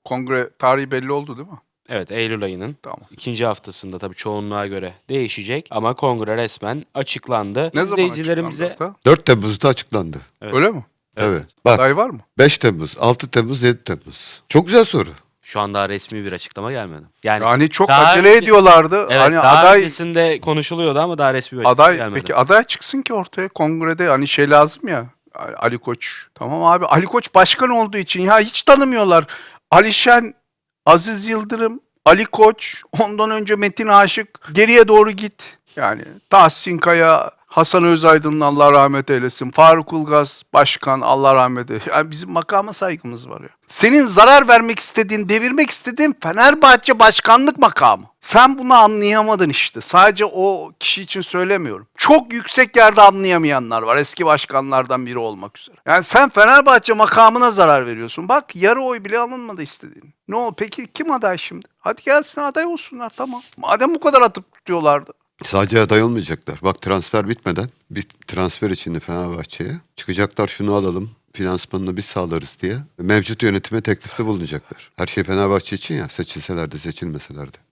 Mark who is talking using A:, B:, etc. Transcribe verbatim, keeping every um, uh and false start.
A: kongre tarihi belli oldu değil mi?
B: Evet, Eylül ayının
A: Tamam.
B: ikinci haftasında tabii çoğunluğa göre değişecek ama kongre resmen açıklandı.
A: Ne zaman
B: İzleyicilerimize
A: açıklandı hatta?
C: dört Temmuz'da açıklandı.
B: Evet.
A: Öyle mi?
C: Evet. Bak
A: Aday var mı?
C: beş Temmuz, altı Temmuz, yedi Temmuz. Çok güzel soru.
B: şu an daha resmi bir açıklama gelmedi. Yani
A: Yani çok
B: daha
A: acele
B: önce-
A: ediyorlardı.
B: evet,
A: hani
B: daha
A: aday
B: öncesinde konuşuluyordu ama daha resmi bir açıklama
A: aday
B: gelmedi.
A: peki aday çıksın ki ortaya kongrede hani şey lazım ya. Ali Koç. Tamam abi Ali Koç başkan olduğu için ya hiç tanımıyorlar. Alişen, Aziz Yıldırım, Ali Koç, ondan önce Metin Aşık, geriye doğru git. Yani Tahsin Kaya, Hasan Özaydın'ın Allah rahmet eylesin, Faruk Ulgaz başkan Allah rahmet eylesin. Yani bizim makama saygımız var ya. Senin zarar vermek istediğin, devirmek istediğin Fenerbahçe başkanlık makamı. Sen bunu anlayamadın işte. Sadece o kişi için söylemiyorum. Çok yüksek yerde anlayamayanlar var. Eski başkanlardan biri olmak üzere. Yani sen Fenerbahçe makamına zarar veriyorsun. Bak yarı oy bile alınmadı istediğin. Ne oldu? Peki kim aday şimdi? Hadi gelsin aday olsunlar tamam. Madem bu kadar atıp tutuyorlardı.
C: Sadece aday olmayacaklar. Bak transfer bitmeden bir transfer içinde Fenerbahçe'ye çıkacaklar şunu alalım finansmanını biz sağlarız diye mevcut yönetime teklifte bulunacaklar. Her şey Fenerbahçe için ya seçilseler de seçilmeseler de.